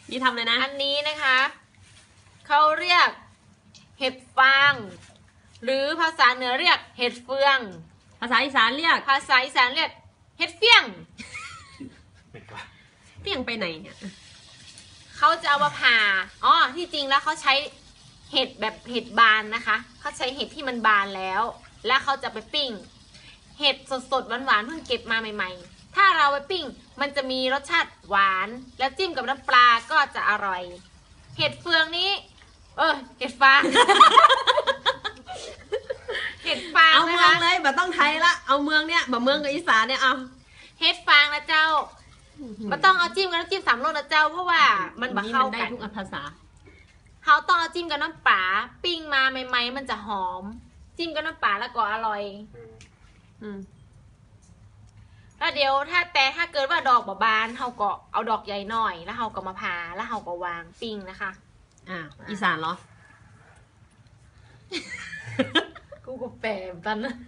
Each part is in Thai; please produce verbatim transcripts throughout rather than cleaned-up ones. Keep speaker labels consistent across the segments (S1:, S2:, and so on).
S1: นี่ทำเลยนะ
S2: อันนี้นะคะเขาเรียกเห็ดฟางหรือภาษาเหนือเรียกเห็ดเฟือง
S1: ภาษาอีสานเรียก
S2: ภาษาอีสานเรียกเห็ดเฟี้ยง
S1: เฟี้ยงไปไหนเนี่ย
S2: เขาจะเอามาผ่าอ๋อที่จริงแล้วเขาใช้เห็ดแบบเห็ดบานนะคะเขาใช้เห็ดที่มันบานแล้วแล้วเขาจะไปปิ้งเห็ดสดๆหวานๆเพิ่งเก็บมาใหม่ๆถ้าเราไปปิ้งมันจะมีรสชาติหวานแล้วจิ้มกับน้ำปลาก็จะอร่อยเห็ดเฟืองนี้เออเห็ดฟาง เห็ดฟาง
S1: เอา
S2: นะ
S1: เมือง
S2: คะ
S1: เลยแบบต้องไทยละเอาเมืองเนี่ยแบบเมืองกับอีสานเนี่ยเอา
S2: เห็ดฟางนะเจ้ามันต้องเอาจิ้มกับน้ำจิ้มสามรสนะเจ้าเพราะว่ามันบะเข้ากัน
S1: ได้ทุกภาษา
S2: เขาต้องเอาจิ้มกับน้ำปลาปิ้งมาใหม่ๆมันจะหอมจิ้มกับน้ำปลาแล้วก็อร่อย
S1: อืม
S2: แล้วเดี๋ยวถ้าแต่ถ้าเกิดว่าดอกบานเขาก็เอาดอกใหญ่หน่อยแล้วเขาก็มาผ่าแล้วเขาก็วางปิ้งนะคะ
S1: อ่าอีสานเหรอ
S2: กูก็แปลกันนะ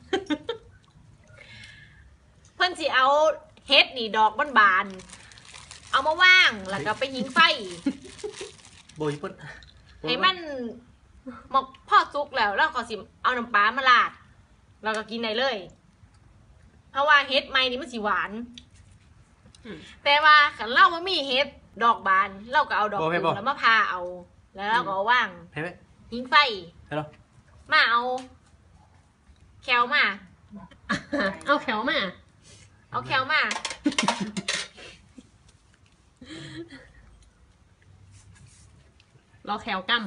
S2: เพื่อนสิเอาเฮ็ดนี่ดอกบานๆเอามาว่างแล้วก็ไปหิงไฟ
S3: โบยปุ่น
S2: ให้มันหมกพ่อซุกแล้วแล้วก็สิเอาน้ำปลามาลาดแล้วก็กินได้เลยเพราะว่าเฮ็ดใหม่นี่มันสิหวานแต่ว่าขันเล่ามันมีเฮ็ดดอกบานเราก็เอาดอกตูแล้วมาพาเอาแล้วเราก็ว่างหิงไฟมาเอาแคลมา
S1: เอาแคลมา
S2: เอาแคลมา
S1: รอแคลกั้ม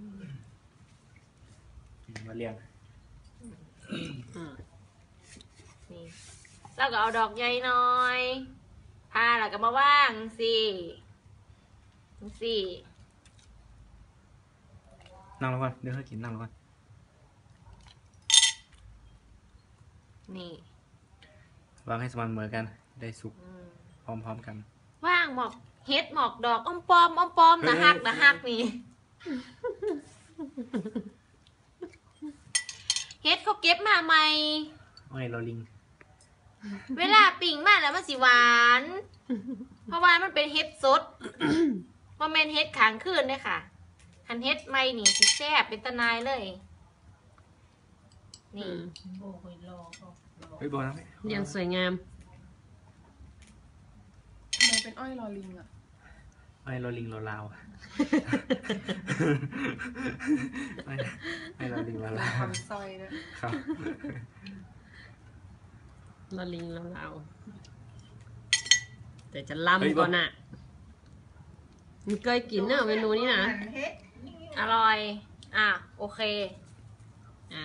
S3: มาเรียง
S2: นี่เราก็เอาดอกใหญ่หน่อยพาแล้วก็มาว่างสิสิ
S3: นั่งแล้วก่อนเดี๋ยวให้กินนั่งแล้วก่อน
S2: นี่
S3: วางให้สม่ำเสมอกันได้สุกพร้อมๆกัน
S2: ว่างหมอกเฮ็ดหมอกดอกอ้อมปอมอ้อมปอมนะฮักนะฮักนี่เฮ็ดเขาเก็บมาใหม่
S3: อ้อยลอลิง
S2: เวลาปิ่งมาแล้วมันสิหวานเพราะว่ามันเป็นเฮ็ดสดมันเป็นเฮ็ดขางคืนด้วยค่ะคันเฮ็ดใหม่นี่สิแซ่บเป็นตะนายเลยนี่
S3: เฮ้ยโบนะ
S1: เรียงสวยงาม
S4: ทำไมเป็นอ้อยลอลิงอ่ะ
S3: อ้อยลอลิงลอลาวอ้อยลอลิงลอลาว
S4: ซอยนะครับ
S1: ลอลิงลอลาวแต่จะล้ำก่อนอ่ะมันเคยกินเนอะเมนูนี้นะ
S2: อร่อยอ่ะโอเค
S1: อ่ะ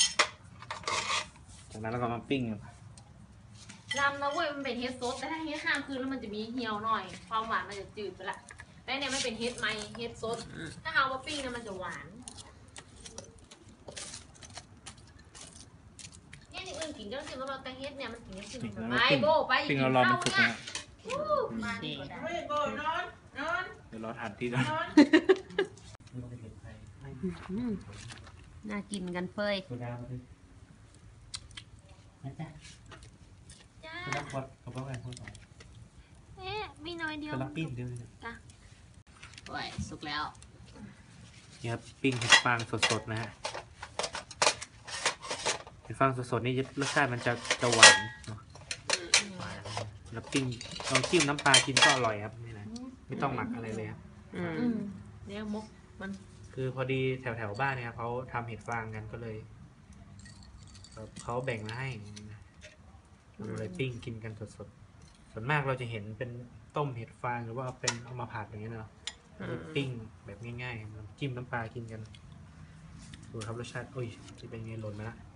S3: จากนั้นเราก็มาปิ้ง
S2: ลำนะเว้ยมันเป็นเฮ็ดซดแต่ถ้าเฮ็ดข้ามคืนแล้วมันจะมีเหี่ยวหน่อยความหวานมันจะจืดไปละแต่เนี่ยไม่เป็นเฮ็ดไหมเฮ็ดซดถ้าเอามาปิ้งเนี่ยมันจะหวานเนี่ยนี่อื่นกินก็ต้องกินแล้วแต่เฮ็ดเนี่ยมันกินได้กินไปโบไป
S3: ปิ้งเรารอมันสุกนะ
S2: มาดีกว่าได้โบนอนนอน
S3: เดี๋ยวรอทานที่ก่อน
S1: น่ากินกันเฟย
S3: จ้าจ้าขวดกระเป๋าแหวนขวดสอง
S2: เอ๊ะมีน้อยเดียว
S3: จะรับปิ้งเดียวเลย
S2: จ้ะ
S1: โอ้ยสุกแล้ว
S3: นี่ครับปิ้งเห็ดฟางสดๆนะฮะเห็ดฟางสดๆนี่รสชาติมันจะจะหวานเนาะหวานแล้วปิ้งลองจิ้มน้ำปลากินก็อร่อยครับนี่นะไม่ต้องหมักอะไรเลยครับ
S2: อืมเนี่ยมุกมัน
S3: คือพอดีแถวๆบ้านเนี่ยเขาทำเห็ดฟางกันก็เลยเขาแบ่งมาให้เราเลยปิ้งกินกันสดๆส่วนมากเราจะเห็นเป็นต้มเห็ดฟางหรือว่าเป็นเอามาผัดอย่างเงี้ยเนาะปิ้งแบบง่ายๆจิ้มน้ำปลากินกันดูครับรสชาติโอ้ยจะเป็นไงหล่นมาละ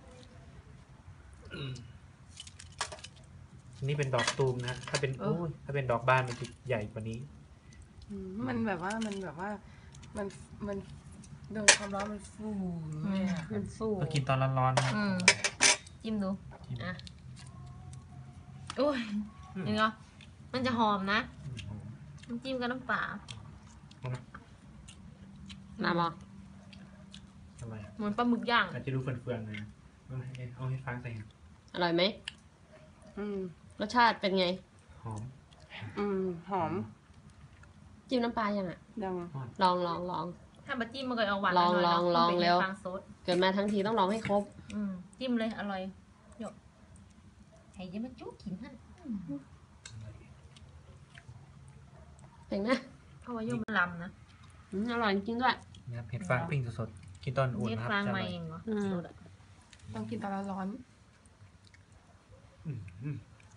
S3: นี่เป็นดอกตูมนะถ้าเป็นโอ้ยถ้าเป็นดอกบานมันจะใหญ่กว่านี้
S4: มันแบบว่ามันแบบว่ามันมันโดนความร้อนมันฟู
S1: มันฟู
S3: เรากินตอนร้อนๆนะ
S2: จิ้มดูอ่ะโอ้ยนี่เหรอมันจะหอมนะน้ำจิ้มกับน้ำปลา
S1: น้ำอ่ะ
S3: ทำไม
S2: เหมือนปลาหมึกย่าง
S3: อาจจะดูเฟื่อนๆเลยเอาให้ฟังใส่
S1: อร่อยไหม
S4: อืม
S1: รสชาติเป็นไง
S3: หอม
S4: อืมหอม
S1: จิ้มน้ำปลายังอ่ะ
S4: ยัง
S1: ลองลองลอง
S2: ถ้าบัจิ้มมันก็เอาหวาน
S1: ลอง
S2: หน่ย
S1: ลอง
S2: เนาะ
S1: ลอง
S2: มันเป็น
S1: เร็ว
S2: ฟางซด
S1: เกิดมาทั้งทีต้องลองให้ครบ
S2: อืมจิ้มเลยอร่อยหยกไอ้ยังมาจุ๊กกินท่าน
S1: เป็นไหม
S2: เพราะว่าโยมมันลำนะ
S1: อืมอร่อยจริงๆด้วย
S3: นะครับเห็ดฟางปิ้งสดๆกินตอนอุ่น
S2: เฮ็ด
S3: นะครับ
S2: ฟาง
S3: จะอ
S2: มา
S3: ร่อย
S2: เองเหรอ
S1: อืม
S2: สดอะ
S4: ต้องกินตอนร้อน
S3: อืมอืม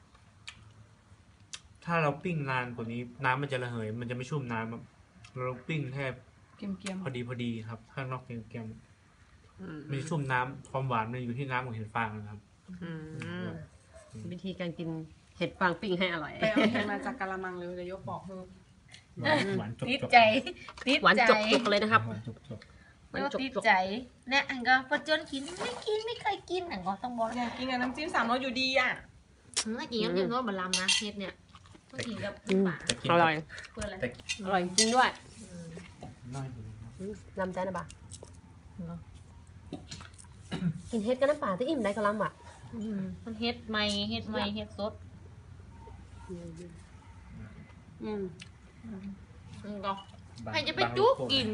S3: ถ้าเราปิ้งนานกว่านี้ น้ำมันจะระเหย มันจะไม่ชุ่มน้ำครับเราปิ้งแค่
S4: ๆเกรียม
S3: พอดีพอดีครับ ข้างนอกเกรียม
S1: อืม
S3: ๆไม่ชุ่มน้ำความหวานมันอยู่ที่น้ำของเห็ดฟางนะครับ
S1: อืมวิธีการกินเห็ดฟางปิ้งให้อร่อย
S4: ๆไปเอาเห็ดมาจากกะละมังเลยจะยกบอกเพิ่ม
S3: หวานหวานจบ
S2: ติด
S3: จบ
S2: ใจติด
S1: หวาน
S2: ใจ
S1: จกๆเลยนะครับ
S3: หวานจบจบ
S1: หวาน
S2: โย
S1: จ
S2: ติด
S1: ก
S2: ใจเนี่ยอันก็ปัจจุบันกินไม่กินไม่เคยกินอันก็ต้องบอก
S4: อยากกินกับน้ำจิ้มสามรสอยู่ดีอ่ะ
S2: ถ้ากินน้ำจิ้มก็บะลำนะเฮ็ดเนี่ยต้องกินกับ
S1: ๆอืม
S2: ปลา
S3: แต่กิน
S1: อร่อย
S2: เพื่ออะไร
S3: แต่
S1: อร่อยจริงด้วย
S2: อืม
S3: น้อยอยู่นะครับ
S1: อืมลำใจนะบ่า
S2: เนาะ
S1: กินเห็ดกับน้ำปลาที่อิ่มได้ก็ลำอ่ะ
S2: อืมมันเฮ็ดใหม่เฮ็ดใหม่เฮ็ดสด
S1: อืมอืม
S2: อันก็
S3: บาง
S2: ใครจะไป
S3: บาง
S2: จุก
S3: โลโ
S2: กิน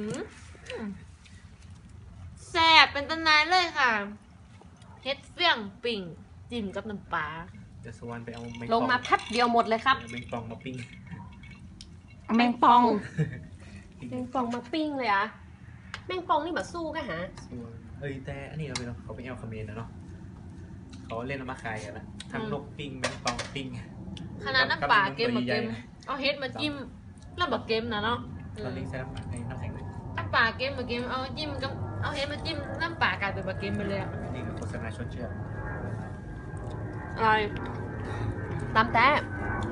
S2: แซ่บเป็นตำนานเลยค่ะเฮ็ดเฟี้ยงปิ่งจิ้มกับน้ำปลา
S3: เดี๋ยวสวรรค์ไปเอาแมง
S1: ลงมา
S3: ป่อ
S1: แพัดเดียวหมดเลยครับ
S3: เอาแมงปองมาปิ้ง
S1: แมงปอง
S3: ปิ้ง
S1: แมงปองมาปิ้งเลยอ่ะแมงปองนี่แบบสู้กันฮะ
S3: สวรรค์เอ้ยแต่อันนี้เราไปเนาะเขาไปเอาคอมเมนต์นะเนาะเขาเล่นเอามาขายกันนะทั้งนกปิ้งแมงปองปิ้ง
S2: ขนาดน้ำปลาเกม
S3: กั
S2: มา
S3: บ
S2: เกม
S3: ใหญ่
S2: เอาเฮ็ดมาจิ้มแล้วบักเกมนะเนาะ
S3: ๆตอนนี้ใช้น้ำปลาในน้ำแข็งเลย
S2: น้ำปลาเกมมาเกมเอาจิ้มกับเอาเฮ็ดมาจิ้มน้ำปลากลายเป็นบักเกมไปเลยอะ
S3: นี่คือโฆษณาชวนเชื่อ
S1: อร่อยตามแต่